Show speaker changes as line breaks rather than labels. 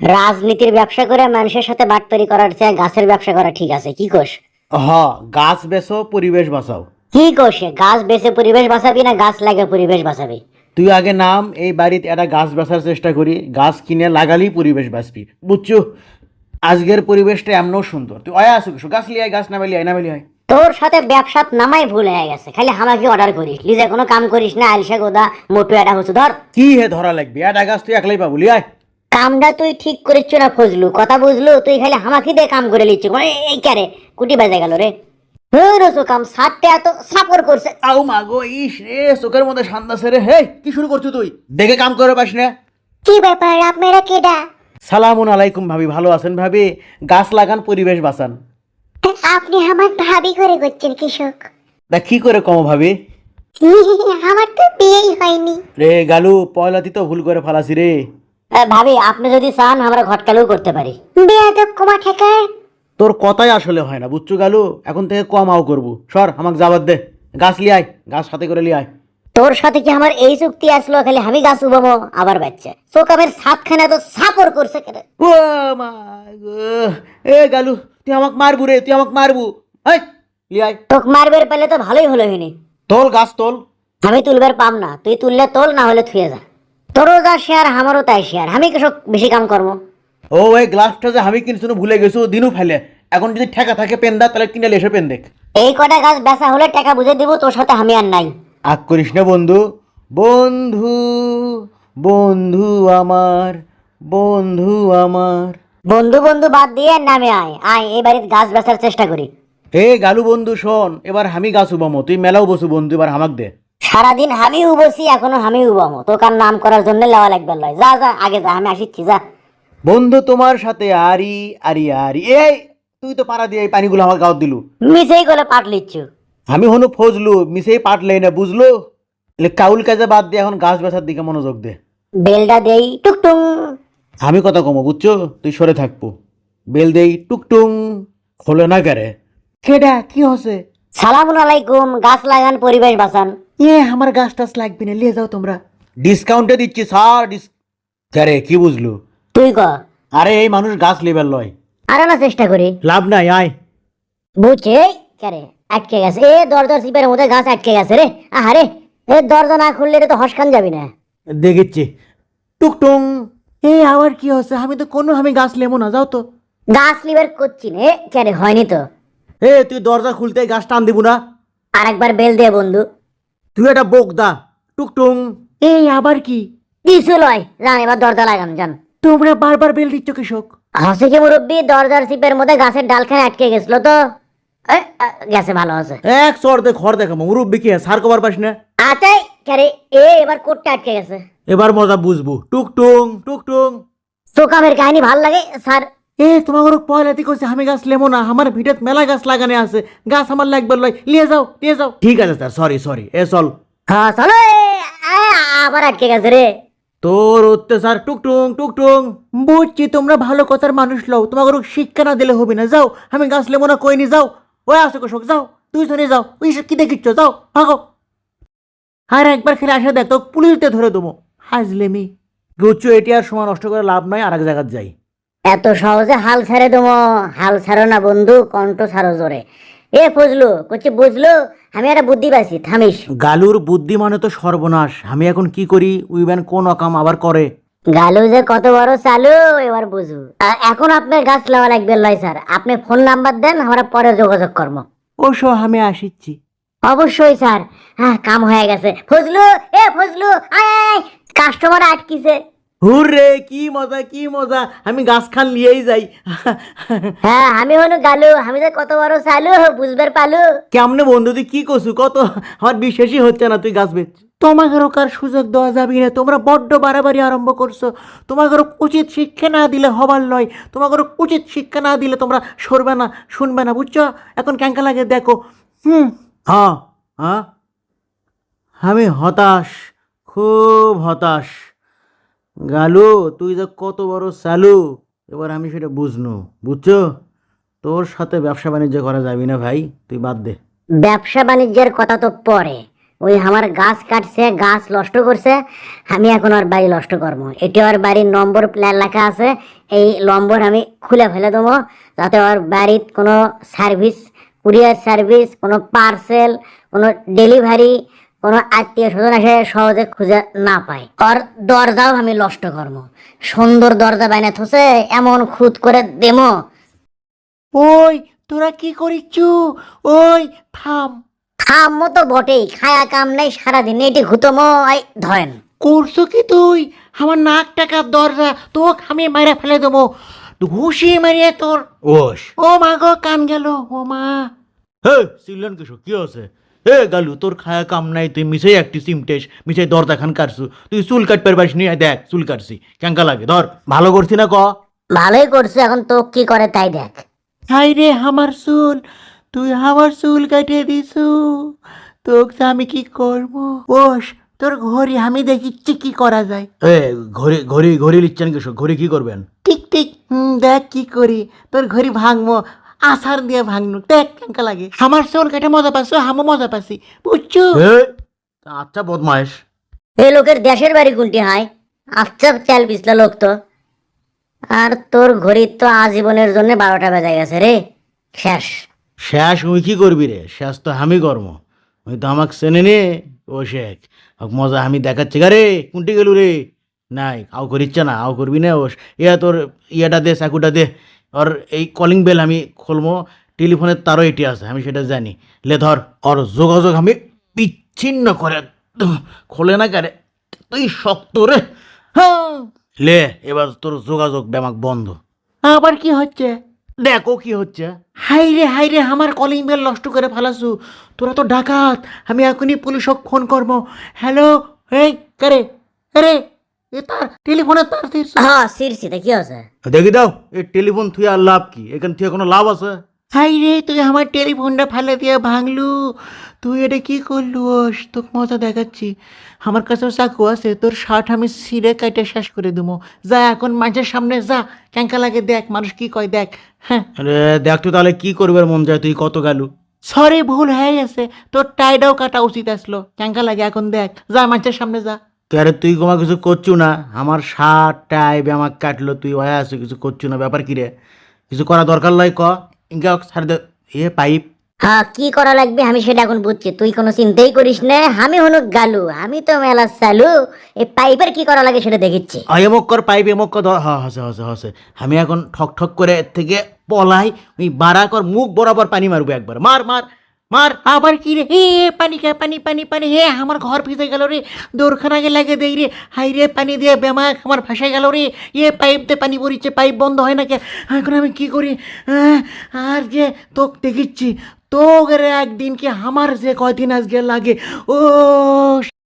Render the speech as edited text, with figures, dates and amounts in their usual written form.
রাজনীতির ব্যবসা করে মানুষের সাথে বাটপারি করার চেয়ে গাছের ব্যবসা করা ঠিক আছে, কি কোষ?
হ, গাছ বেচো পরিবেশ বাঁচাও।
কি কোষে গাছ বেচে পরিবেশ বাঁচাবি না গাছ লাগে পরিবেশ বাঁচাবি?
তুই আগে নাম, এই বাড়িতে একটা গাছ বেচার চেষ্টা করি, গাছ কিনে লাগালেই পরিবেশ বাঁচবি, বুঝছো? আজকের পরিবেশটা এমনও সুন্দর, তুই অয়া আসুক, গাছ লিয়াই, গাছ নামাই লিয়াই, নামাই লিয়াই।
তোর সাথে ব্যবসাত নামাই ভুল হয়ে গেছে, খালি আমাকে অর্ডার করিস, লিজে কোনো কাম করিস না। আলসা গোদা মোটু এটা হচ্ছে ধর।
কি হে ধরা লাগবে, একটা গাছ তুই একলাই পাবো, লিয়াই।
কামটা তুই ঠিক করিস না ফজলু, কথা বুঝলু? তুই খালি হামাকি দিয়ে কাম করে লিচ্ছি, এই ক্যারে কুটি বাজে গেল রে। রসু কাম সাতটা এত সাপর করছে।
আও মাগো, ইস রে, চোখের মধ্যে শান্তা সেরে, হে কি শুরু করছো তুই? দেখে কাম করে পাস না?
কি ব্যাপার, আপনারা কেডা?
সালামুন আলাইকুম ভাবি, ভালো আছেন ভাবি? গাছ লাগান পরিবেশ বাঁচান।
আপনি আমার ভাবি করে করছেন কৃষক?
তা কি করে কম ভাবি?
আমার তো বিয়েই হয়নি।
রে গালু, পয়লাতি তো ভুল করে ফালাসি রে।
ভাবি আপনি যদি চান আমরা ঘটকালেও করতে পারি। বেয়াদব কমা ঠেকায়।
তোর কথাই আসলে হয় না, বুঝছো গালু? এখন থেকে কম আও করবো, সর আমাকে যাবার দে। গাছ লিয়াই, গাছ সাথে করে লিয়াই।
তোর সাথে কি আমার এই চুক্তি আসলো খালি আমি গাছ উবামো আবার বাচ্চা চোকামের সাতখানে তো সাপর করছে কেন?
ও মা গো, এ গালু, তুই আমাকে মারবু রে, তুই আমাকে মারবু। এই লিয়াই,
তোক মারবের পেলে তো ভালোই হলো হিনি।
তোল গাছ তোল।
আমি তুলবার পাম না, তুই তুললে তোল, না হলে থুয়ে যা। তোরও যা শেয়ার আমারও তাই শেয়ার, আমি কৃষক বেশি কাম করবো।
ও এই গ্লাসটা যে আমি কিনছি ভুলে গেছো, দিনু ফেলে। এখন যদি ঠেকা থাকে পেন দা, তাহলে কিনে এসে পেন দেখ।
এই কটা গাছ বেচা হলে টাকা বুঝে দিব, তোর সাথে আমি আর নাই।
আগ করিস না বন্ধু, বন্ধু, বন্ধু আমার, বন্ধু আমার।
বন্ধু বন্ধু বাদ দিয়ে নামে আয় আয়, এই বাড়িতে গাছ বেচার চেষ্টা করি।
হে গালু বন্ধু শোন, এবার আমি গাছ উবামো, তুই মেলাও বসু বন্ধু, এবার হামাক দে।
সারাদিন আমি উবসি, এখনো আমি উবামো, তোকার নাম করার জন্য লেওয়া লাগবে লয়। যা যা আগে যা, আমি আসিচ্ছি যা।
বন্ধু তোমার সাথে আরি আরি আরি, এই তুই তো পাড়া দিয়ে এই পানিগুলো আমার গাঁত দিলু।
মিসেই গলে পাট লিচ্ছু।
আমি হনু ফজলু, মিশেই পাটলেই না, বুঝলো? এলে কাউল কাজে বাদ দিয়ে এখন গাছ বেচার দিকে মনোযোগ দে।
বেলটা দেই টুকটুং।
আমি কথা কমো, বুঝছো? তুই সরে থাকবো। বেল দেই টুকটুং, খোলে না কেরে? কেডা কি হসে?
সালামুন আলাইকুম, গাছ লাগান পরিবেশ বাঁচান।
আমার গাছ টাছ লাগবে না, লিয়ে যাও তোমরা। ডিসকাউন্টে দিচ্ছি স্যার, আরে কি বুঝলু?
তুই ক।
আরে এই মানুষ গাছ লিবার লয়।
আরে না চেষ্টা করি।
লাভ নাই, আয়।
বুঝছে কেরে আটকে গেছে, এ দরজার সিপের মধ্যে গাছ আটকে গেছে রে। আহারে, এ দরজা না খুললে রে তো হসকান যাবি না।
দেখেছি টুকটুং। আবার কি হচ্ছে? আমি গাছ লেবো না, যাও তো।
গাছ লিবার করছি নে কেরে, হয়নি তো।
তুই দরজা খুলতে গাছ টান দিব না?
আরেকবার বেল দে বন্ধু।
তুই একটা বোকদা। টুকটুং। আবার কি?
কিছু লয়, যান এবার দরজা লাগান যান।
তোমরা বারবার বেল দিচ্ছ কৃষক।
হসে কি মুরব্বী, দরজার সিপের মধ্যে গাছের ডালখানে আটকে গেছিল তো। গেছে ভালো আছে।
এক চর দে, ঘর দেখাবো, মুরব্বী কি সার কবার পাস না?
আতাই কেরে, এবার কোটটা আটকে গেছে।
এবার মজা বুঝবো। টুকটুং টুকটুং।
চোকামের কাহিনী ভাল লাগে স্যার।
তোমার পয়লাতি কইছে আমি গাছ লেবো না, আমার ভিটেত মেলা গাছ লাগানো আছে, গাছ আমার লাগবে লয়, লিয়ে যাও লিয়ে যাও। ঠিক আছে স্যার, সরি সরি, চল।
হ্যাঁ চলো। আবার আটকে গেছে রে।
তোর অত্যাচার। টুকটুং টুকটুং। বুঝছি তোমরা ভালো কথার মানুষ লও, তোমাকে শিক্ষা না দিলে হবে না, যাও। আমি গাছ লেবো না কইনি, যাও। ওই আসো কৃষক, যাও। তুই শোনে যাও, ওই কি দেখিচ্ছ, যাও ভাগো। আর একবার খেলে আসে দেখ, তো পুলিশ দিয়ে ধরে দেবো। হাজলেমি। বুঝছো, এটি আর সময় নষ্ট করে লাভ নয়, আর এক জায়গায় যাই।
এত সহজে হাল ছাড়ে দেবো? হাল ছাড়ো না বন্ধু, কণ্ঠ ছাড়ো জোরে। এ ফজলু করছি, বুঝলো? আমি একটা বুদ্ধি পাইছি, থামিস।
গালুর বুদ্ধি মানে তো সর্বনাশ, আমি এখন কি করি? উইবেন কোন অকাম আবার করে।
গালু যে কত বড় চালু এবার বুঝু। এখন আপনার গাছ লাওয়া লাগবে লয় স্যার, আপনি ফোন নাম্বার দেন, আমরা পরে যোগাযোগ করবো।
ওসো আমি আসিচ্ছি।
অবশ্যই স্যার। হ্যাঁ কাম হয়ে গেছে। ফজলু, এ ফজলু, আয় আয়, কাস্টমার আটকিছে।
হুররে, কি মজা কি মজা, আমি গাছ খান লিয়েই যাই।
হ্যাঁ আমি হলো গালু, আমি যে কত বড় চালু বুঝবার পালু।
কেমনে বন্ধু, তুই কি করছু কত? আমার বিশ্বাসই হচ্ছে না তুই গাছ বেচ। তোমাকে কার সুযোগ দেওয়া যাবে না, তোমরা বড্ড বাড়াবাড়ি আরম্ভ করছো। তোমাকে উচিত শিক্ষা না দিলে হবার লয়, তোমাকে উচিত শিক্ষা না দিলে তোমরা সরবে না, শুনবে না, বুঝছো? এখন ক্যাঙ্কা লাগে দেখো। হ্যাঁ হ্যাঁ, আমি হতাশ, খুব হতাশ। গালু, তুই যে কত বড় চালু, এবার আমি সেটা বুঝনু, বুঝছো? তোর সাথে ব্যবসা বাণিজ্য করা যাবি না ভাই, তুই বাদ দে।
ব্যবসা বাণিজ্যের কথা তো পরে, ওই আমার গাছ কাটছে, গাছ নষ্ট করছে, আমি এখন ওর বাড়ি নষ্ট করবো। এটি ওর বাড়ির নম্বর প্ল্যান লেখা আছে, এই নম্বর আমি খুলে ফেলে দেবো, যাতে ওর বাড়ির কোনো সার্ভিস, কুরিয়ার সার্ভিস, কোনো পার্সেল, কোনো ডেলিভারি, কোনো আত্মীয় স্বজন এসে সহজে খুঁজে না পায়। ওর দরজাও আমি নষ্ট করবো, সুন্দর দরজা বাইনে থসে এমন খুদ করে দেবো।
ওই তোরা কি করিচ্ছু? ওই থাম।
খামো তো বটেই, খায়া কাম নাই সারাদিন, এটি ঘুতমো ধরেন।
করছো কি তুই? আমার নাক টাকার দরজা তোকে আমি মাইরা ফেলে দেবো, ঘুষি মারিয়ে তোর। ওস ও মা গো, কান গেল, ও মা। হে সিলন কিশোর, কি আছে? হে গালু, তোর খায়া কাম নাই, তুই মিশাই একটি সিমটেস, মিশাই দরজা খান কাটছু। তুই চুল কাটবার পারিস নি, দেখ চুল কাটছি কেঙ্কা লাগে, ধর। ভালো করছি না ক?
ভালোই করছে, এখন তো কি করে তাই দেখ।
হাই রে আমার চুল, তুই আমার চুল কাটিয়ে দিছু, তোকে আমি কি করব? ওস তোর ঘড়ি আমি দেখিচ্ছি কি করা যায়। এ ঘড়ি ঘড়ি ঘড়ি লিচ্ছেন কিশোর, ঘড়ি কি করবেন? ঠিক ঠিক, দেখ কি করি, তোর ঘড়ি ভাঙবো, আসার দিয়ে ভাঙনু, দেখ কেঙ্কা লাগে। আমার চুল কাটে মজা পাচ্ছ, আমও মজা পাচ্ছি, বুঝছো? আচ্ছা বদমাইশ।
এই লোকের দেশের বাড়ি কোনটি হয়? আচ্ছা চাল পিছলা লোক তো। আর তোর ঘড়ির তো আজীবনের জন্য 12টা বেজে গেছে রে, শেষ।
শেষ তুই কি করবি রে? শেষ তো আমি কর্ম, ওই তো আমাকে চেনে নে। ও শেখ মজা আমি দেখাচ্ছি গা রে, কোনটি গেলু রে? নাই আও করিচ্ছে না, আও করবি না। ওস ইয়া তোর ইয়েটা দে, চাকুটা দে। ওর এই কলিং বেল আমি খুলবো, টেলিফোনের তারও এটি আছে, আমি সেটা জানি। লে ধর, ওর যোগাযোগ আমি বিচ্ছিন্ন করে খোলে না কারে, তুই শক্ত রে। হ্যাঁ লে, এবার তোর যোগাযোগ ব্যামাক বন্ধ। আবার কি হচ্ছে? দেখো কি হচ্ছে। হাই রে আমার কলিং বেল নষ্ট করে ফেলাছু, তোরা তো ডাকাত। আমি এখনই পুলিশক ফোন করবো। হ্যালো, এই কারে? আরে এ তার টেলিফোনের তার ছিঁড়ছে।
হ্যাঁ সিরসিতে কি আছে?
দেখি দাও, এই টেলিফোন থুয়ে আর লাভ কি? এখান থেকে কোনো লাভ আছে? হাই রে, তুই আমার টেলিফোনটা ফেলে দিয়ে ভাঙলু, তুই এটা কি করলু? ওস তোকে মজা দেখাচ্ছি, আমার কাছেও চাকু আছে, তোর শার্ট আমি ছিঁড়ে কাটে শেষ করে দেবো। যা এখন মানুষের সামনে যা, ক্যাঙ্কা লাগে দেখ, মানুষ কি কয় দেখ। হ্যাঁ আরে দেখ তো তাহলে কি করবার মন যায়, তুই কত গেলু। সরি ভুল হয়ে গেছে, তোর টাইটাও কাটা উচিত আসলো, ক্যাঙ্কা লাগে এখন দেখ, যা মানুষের সামনে যা। আরে তুই কোনো কিছু করছু না, আমার শার্ট টাই ব্যামাক কাটলো, তুই হয়ে আছো কিছু করছু না, ব্যাপার কি রে? কিছু করা দরকার লয় ক, ইনকা ছাড় দে। এ পাইপ
হ্যাঁ কি করা লাগবে আমি সেটা এখন বুঝছি, তুই কোনো চিন্তাই করিস না, আমি হনুক গালু, আমি তো মেলা চালু, এই পাইপের কি করা লাগে সেটা দেখিচ্ছি।
এমক কর, পাইপ এমক কর, হসে হসে হসে। আমি এখন ঠক ঠক করে এর থেকে পলাই, ওই বাড়া কর, মুখ বরাবর পানি মারবো একবার, মার মার মার। আবার কি রে? হে পানি খায়, পানি পানি পানি, হে আমার ঘর ভিজে গেল রে, দৌড়খানাকে লাগে দেই রে। হাই রে, পানি দিয়ে বেমাক আমার ভাসায় গেল রে। পাইপ দিয়ে পানি পড়িচ্ছে, পাইপ বন্ধ হয় না কে? এখন আমি কি করি? আর যে তোক দেখিচ্ছি, তোকে রে একদিন কি আমার যে কয়দিন আজকে লাগে। ও